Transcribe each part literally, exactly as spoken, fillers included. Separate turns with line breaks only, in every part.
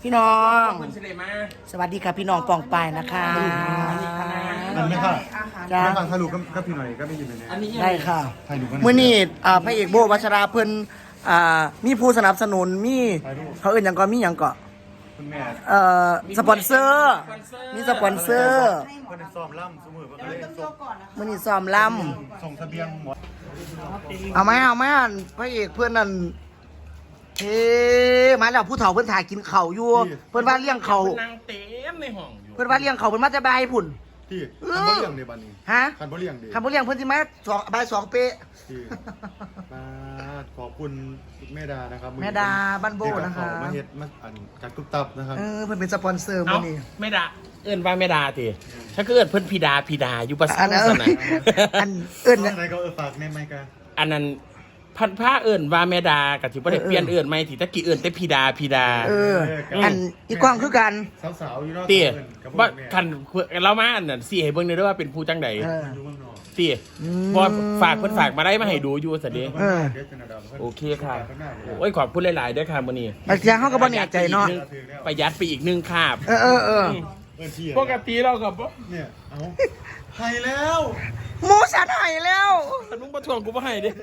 พี่น้อง
คุณเฉลยมา
สวัสดีค่ะพี่น้องปองปายนะคะ
มันไม่ค่ะ
จ้า
ไม่ฟังถ้ารู้ก็พี่หน่อยก็ไม่ยินเลยนะ
อันนี้
ได้ค่ะ
ถ่ายรูปกัน
เมื่อนี้อ่าพระเอกโบวัชราเพิ่นอ่ามีผู้สนับสนุนมีเขาเอื่นอย่างก็มีอย่างก็
คุณแม่
เอ่อสปอนเซอร์มีสปอนเซอร์
เพื่อนซ้อมล่ำสมือเพื่อนเลยส่ง
มื่อนี้ซ้อมล
ส่งทะเบียนหมด
ำเอาไหมเอาไหมอันพระเอกเพื่อนนั่นเฮ้มาแล้วผู้เฒ่าเพื่อนถ่ายกินเข่าวอยู่เพื่อนว่าเลี้ยงเขา
นางเต็มในห้องอยู่
เพื่อนว่าเลี้ยงเขาเพื่อนมาจะบายพุ่น
ที่คันบ่เลี้ยงเดบันนี้
ฮะ
คันบ่เลี้ยงเด
คำว่าเลี้ยงเพื่อนที่มาสองบายสองเป๊ะ
ที่มาขอบคุณแม่ดานะครับ
แม่ดาบ้านโบนะคะ
มาเฮ็ดมาอันกัดตุ๊บตับนะครับ
เออเพื่อนเป็นสปอนเซอร์
เอ้า
มื่อนี้
ไม่ด่าเอิ้นว่าไม่ด่าทีถ้าก็เอิ้นเพิ่นพีดาพีดาอยู่ประสา
อั
ท
นนั้น
สนะ
อันเอิ้น
อะไรก็เออฝากในไมค์กัน
อันนั้นพันผ้าเอิ้นว่าแม่ดากับที่บ่ได้เปลี่ยนเอิ้นใหม่ที่ตะกี้เอิ้นแต่พีดาพีดา
เออ อันอีกว้างคือกัน
สาวๆอยู่เนอก
เตี้ย
กับ
ว่า
แม่
คันเรามาอันนั้นสิให้เบิ่งได้ด้วยว่าเป็นผู้จังใด
เออ
อยู่เมืองนอก
เตี้ย
อืม
บ่ฝากเพิ่นฝากมาได้มาให้ดูอยู่ซะเด้
เออ
เดี๋ยวจะนาดาวพิ่น
โอเคค่ะ
ข้างหน้าเลย
โอ้ยขอบคุณหลายๆด้วยค่ะมื้อนี้
บางทีเขาก็บ่แน่ใจเนาะ
ประหยัดไปอีกหนึ่งคาบ
เออเออเออ
เอิ้นที่
ปกติเราก็บ่
เนี่ยเอาให้แล้ว
หมูสันหายแล้ว
คันมึงบ่ทวงกูบ่ให้เด้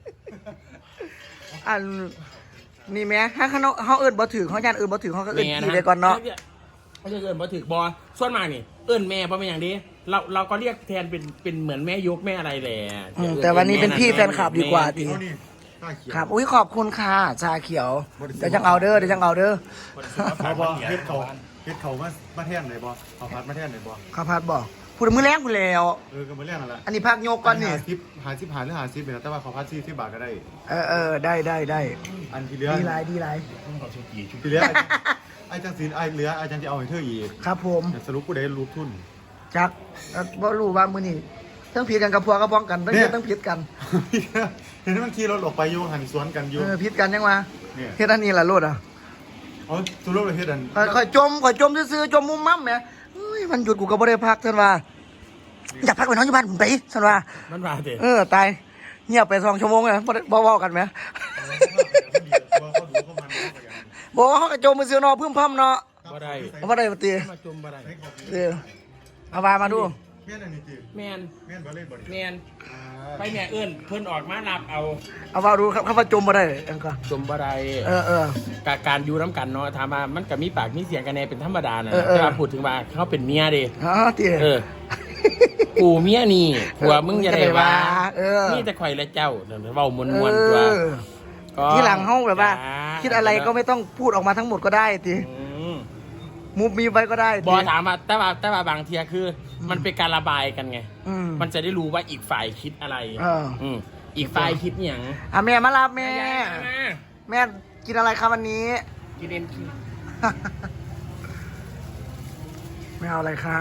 อันนี่แหม่ถ้าเขาเขาเอิ้นบ่ถือเขาย่านเอิ้นบ่ถือเขาก็เอิ้นพี่ไปก่อนเนาะ
เขาจะเอิ้นบ่ถึกบ่ส่วนมากนี่เอิ้นแม่บ่เป็นอย่างนี้เราเราก็เรียกแทนเป็นเป็นเหมือนแม่ยกแม่อะไรแหละ
อืมแต่วันนี้เป็นพี่แฟนคลับดีกว่าที
เอานี่ข้าเขียว
ครับอุ้ยขอบคุณค่ะชาเขียวเดี๋ยวจังเอาเด้อเดี๋ยวจังเอาเด้อ
เขาบอกเฮ็ดเขาเฮ็ดเขามามาแท่นไหนบ่เขาพัดมาแท่นไหนบ่
ข้าวผัดบอกพูดมือแรงพูดแล้ว
เออก็มาเรื่องนั่นแหละ
อันนี้พักโยกก่อนนี่
หาซิปหาซิปหาหรือหาซิปเนี่ยแต่ว่าเขาพัดซี่ที่บาทก็ได้
เออเออได้ได้ได้
อันที่เหลือ
ดีไรดีไร
ที่เหลือไอ้จังสีไอ้เหลือไอ้จังจะเอาให้เธออีก
ครับผม
สรุปกูได้รูปทุน
จักเอ่อบ่รู้ว่ามือนี่ทั้งผิดกันกับพวกกับพ้องกันทั้ง
เนี่
เฮ็
ย
ดทั้งผิดกัน
เห็นมันขี่รถออกไปอยู่หันสวนกันอยู่
เออผิดกันยังวะ
เนี่ย
เฮ็ดอันนี้ล่ะโลดอ่ะ
อ๋อสุรุปเลยเฮ็ดอัน
ค่อยค่อยจมค่อยจมซื่อๆจมมุมมั่มแหมเฮ้ยมันหยุดกูก็บ่ได้พักท่านว่าอยากพักไปนอนอยู่บ้านผมไปท่านว่า
มันว่าเด้
เออตายเงียบไปสองชั่วโมงเลยบ่ได้บ่เว้ากันแหม
เขาดูเขามัน
บอกว่าเขาก็จมมือซื้อเนาะพึ่มพำเนาะ
บ่ได้
เอาบ่ได้บ่ตี
มาจุ่มบ่ได้
เออเอาวามาดู
แม่นอันนี้จี
แม่น
แม่นบ่เล่นบ่ดิ
แม่นไปแม่เอิ้นเพิ่นออกมารับเอา
เอาวาดูครับเขาว่าจมบ่ได้อันก็
จุ่มบ่ได้
เออเออ
กการอยู่น้ำกันเนาะถามว่ามันก็มีปากมีเสียงกันแน่เป็นธรรมดานะ
เออเออ
แต่ว่าพูดถึงว่าเขาเป็นเมียเด้
ฮะตี
เออกูเมียนี่ผัวมึงอย่าได้ว่า
เออ
นี่แต่ข่อยและเจ้าเดี๋ยวเว้ามวนๆตัว
เออ
ก็
ที่หลังเฮาแบบว่า
จ้
คิดอะไรก็ไม่ต้องพูดออกมาทั้งหมดก็ได้ติ
อืม
มุบมีไว้ก็ได้
บ
ติ
อถามว่าแต่ว่าแต่ว่าบางทีคือ มันเป็นการระบายกันไง
อืม
มันจะได้รู้ว่าอีกฝ่ายคิดอะไร
เอออื
มอีกฝ่ายคิดอย่าง
อ่ะแม่มารับแม่
มา
แม่กินอะไรครับวันนี้
กินเอ็มคิ
ไม่เอาอะไรคะ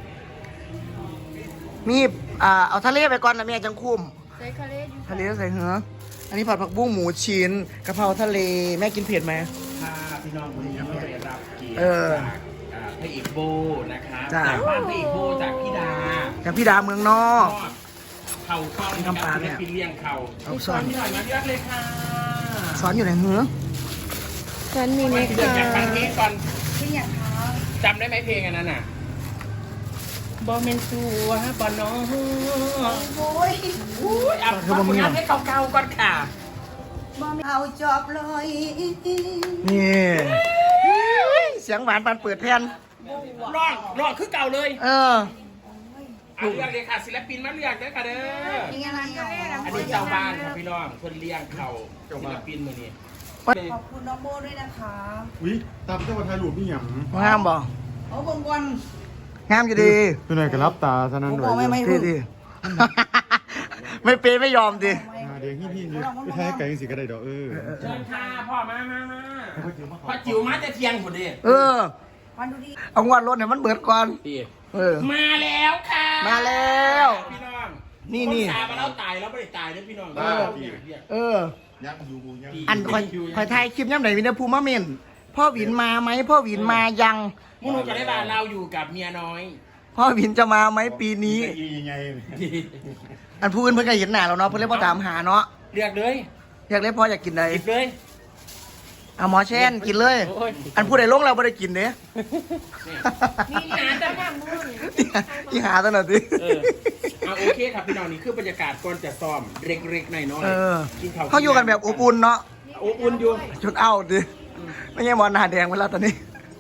มีอ่าเอาทะเลไปก่อนนะแม่จังคุ้ม
ใส่ทะเลอยู่
ทะเลใส่เหรออันนี้ผัดผักบุ้งหมูชิ้นกะเพราทะเลแม่กินเผ็ดไหม
พาพี่น้องคนนี้มาได้รับเกียรติ
เออ
จากอ่าพระเอกโบนะครับ
จ้ะ
จากบ้านพระเอกโบจากพี่ดา
จากพี่ดาเมืองนอก
เข่าเข้า
น้ำปลาเนี่ย
ศิลปินเลี้ยงเข่า
เอาสอน
พี่หน่อยมาเลือกเลยค่ะ
สอนอยู่ไหนเหรอ
ฉันมีเม
เลือก
คา
จากฟังเพลงก่อน
ที่อยากท
จำได้ไหมเพลงอันนั้นน่ะบอเมนซัวบอน้อง
ำโอ้ย
อุ้ยอ่ะฟังผลงานให้เก่าๆก่อนค่ะ
บ่มีเอาจอบเลย
นี่เสียงหวานปานเปิดแผ่น
ร้องร้องคือเก่าเลย
เออ
เอาเลือกเลยค่ะศิลปินมาเลือกเลยค่ะเด้อ
มีอะไรอ่ะ
อันนี้เจ้าบ้านครับพี่น้องคนเลี้ยงเขาศิลปินมือนี้
ขอบคุณน้องโบด้วยนะคะ
อุ้ยตามเจ้าว่าถ่ายรูปนี่หยัง
งามบ่
โอ้บงวัน
งามอยู่ดี
ตัวไหนก็รับตาซะนั้นด้วย
ดีดี ไม่เปย์ไม่ยอมดิ
อ่าเดี๋ยวพี่พี่นี่ไปถ่ายไกลจังสิก็ได้ดอกเออ
เชิญค่ะพ่อมามามาพ่อจิ๋วมาจะเทียงคนเดี
เออ
วันดูดิ
เอางวดรถเนี่ยมันเบิดก่อน
พี่
เออ
มาแล้วค่ะ
มาแล้ว
พี่น้อง
นี่นี่
คตายมาแล้วตายแล้วไม่ได้ตายนะพี่น้อง
เออ
เออ
ยักษ์อยู่ยัง
อันคอยคอยถ่ายคลิปย่ำไหนวินาภูมิมาเมนพ่อหวินมาไหมพ่อหวินมายัง
มุนุจะได้บ้านเราอยู่กับเมียน้อย
พ่อหวินจะมาไหมปีนี้
ยังไง
อันพูดเพิ่นก็เห็นหน้าเราเนาะเพิ่นเลยบ่ตามหาเนาะ
เลือกเลย
อยากเล่นพ่ออยากกินใด
หยิบเลย
เอาหมอแช่นกินเลย อันผู้ใดลงเราไม่ได้กินเด้
นี่หาแต่บ้านมึง
ที่หาตลอดดิ
เออเอาโอเคครับพี่น้องนี่คือบรรยากาศก่อนจะซ้อมเล็กๆหน่อยๆ
เออ
กินข้าว
เขาอยู่กันแบบอบอุ่นเนาะ
อบอุ่นอยู่
ชุดเอาดิไม่ใช่หมอนหน้าแดงเวลาตอนนี้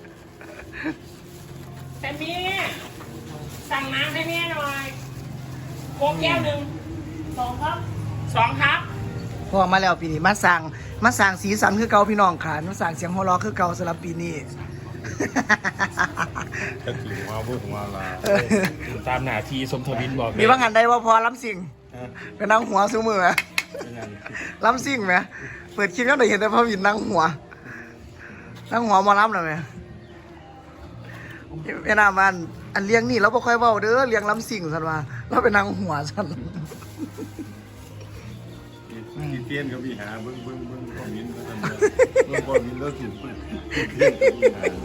แต่เมียสั่งน้ำให้แม่หน่อยโค้กแก้วหนึ่งสองครับสองครับ
พอมาแล้วปีนี้มาสั่งมาสั่งสีสันคือเก่าพี่น้องค่ะมาสั่งเสียงหัวเราะคือเก่าสำหรับปีนี้
ก็ถือว่าพวกมาลา
ตามหน้าที่สมทวินบอก
มีบางอันได้ว่าพอล้ำสิ่งเป็นนั่งหัวซื้อมือไหมล้ำสิ่งไหมเปิดคลิปก็ได้เห็นแต่พ่อวินนั่งหัว นั่งหัวหมาล้ำเลยไหมเวลามันอันเลี้ยงนี่เราไม่ค่อยเว้าเด้อเลี้ยงล้ำสิ่งสันว่าเราเป็นนั่งหัวสัน
ที่เตี้ยนเขามีหาเบิ้งเบิ้งเบิ้งคอมมินต์แล้วกันเบิ้งคอมมินต์แล้วถึงเตี้ยนเขามีหา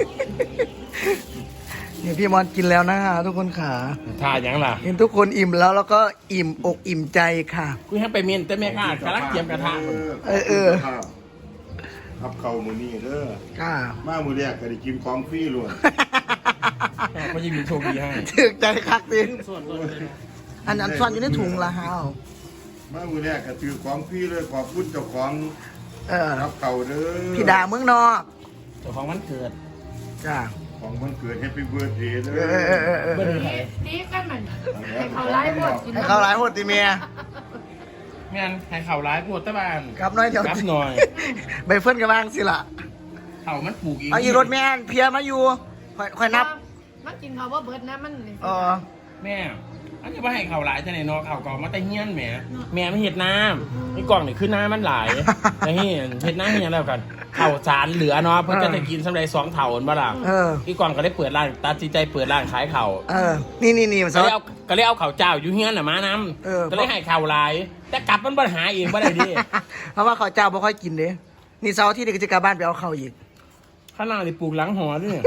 นี่พี่มอนกินแล้วนะฮะทุกคนขา
ท่ายังล่ะ
เห็นทุกคนอิ่มแล้วแล้วก็อิ่มอกอิ่มใจค่ะ
กูให้ไปเมียนแต่แม่ข้ากำลังเตรียมกระทะ
เออเออ
ครับเข่ามือนี่เด้อ
ค่ะ
มามือแรกก็ได้กินของฟรีล้วน
ก็จะมีโชคดีให้
ถึกใจคักดิ
ส่วนตัวเลย
อันอันซ่อนอยู่ในถุงละฮาว
มามือแรกก็ถือของฟรีเลยขอบคุณเจ้าของ
เออ
ครับเข่าเด้อ
พี่ดาเมืองนอก
เจ้าของวันเกิด
จ้า
ของวันเกิดแฮปปี้เบิร์ดเดย์เด้
เออเออเออเออ
เบอร์ไหน
ตีกันมันให้เขาไล่หมดกิน
ให้เขาหลายหดติเมีย
งานให้เข่าร้ายปวดตะบาน
กับน้อยเดี๋ยว
กับหน่อย
ใบเฟิร์นกับบ้างสิล่ะ
เข่ามันปลูกอีก
เอาอีรถแม่นเพียมาอยู่ค่อยค่อยนับ
มันกินเขาว่าเบิร์ดนะมัน
เออ
แม่อันนี้ว่าให้เข่าร้ายจะไหนเนอเข่าก่อมาแต่เฮี้ยนแหมแม่ไม่เห็ดน้ำไอ้กล่องนี่คือน้ำมันหลายไอ้เหี้ยเห็ดน้ำเฮี้ยนแล้วกันเข่าสารเหลือเนาะเพื่อจะกินสำหรับสองเถ่าอันบ้าล่ะ
เออ
พี่กองก็ได้เปิดร้านตัดสินใจเปิดร้านขายเข่า
เออ นี่นี่นี่มัน
ก็เลยเอาก็เลยเอาเข่าเจ้าอยู่เฮี้ยนน่ะมาน
เออ
ำก็เลยให้เข่าร้าย แต่กลับมันปัญหาเองบ่ได้ดิ
เพราะว่าเขาเจ้าบ่ค่อยกินเด้นี่เสาร์ที่เด็กจะกลับบ้านไปเอาเขาอีก
ข้างล่างนี่ปลูกหลังหอด้วย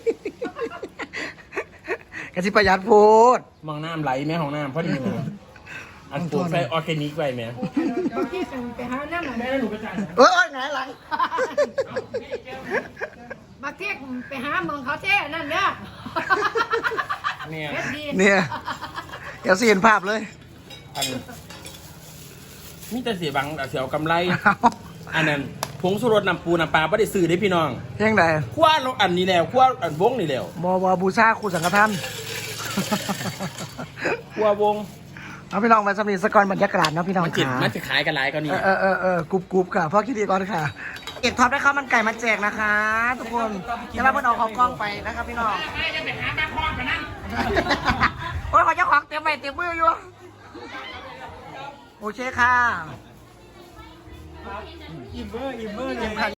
กะสิประหยัดโพด
มองน้ำไหลแม่ของน้ำพอดีนะอันปลูกใส่ออร์แกนิกไว้แม่
ที่ส่งไปหาน้ำมัน
แม่แล้วหนูไปจ่าย
เอ้ยไงหลัง
มาเที่ยงไปหาเมืองเขาเท่นั่นเนี่ย
เนี่ย
เฮ็ดดี
เนี่ยเดี๋ยวสิเห็นภาพเลย
อันมีแต่เสียบังแต่เสียวกำไร อันนั้นผงสุรสน้ำปูน้ำปลาไม่ได้ซื้อได้พี่น้อง
เพียงใด
คว้าลงอันนี้แล้วคว้าอันวงนี่แล้ว
บอบอบูชาครูสังฆทาน
คว้าวง
เอาพี่น้องมาสำนีสกอนบรรยากาศเนาะพี่น้อง
มันจิต
ขา
มันจะขายกันหลายก็นี่
เออเออเออกรุบกรุบค่ะพ่อคิดดีก่อนค่ะ เอกท็อปได้ข้าวมันไก่มาแจกนะคะ ทุกคนจะมาเพิ่นเอาของกล้องไปนะครับพี่น้อง
จะไปหาปลาคอนกันนั่น
โอ้ยขอเจ้าของเตรียมไปเตรียมมืออยู่โอเคค่ะ
อิ่มเบอร์อิ่มเบอร์
เตรียมค่ะ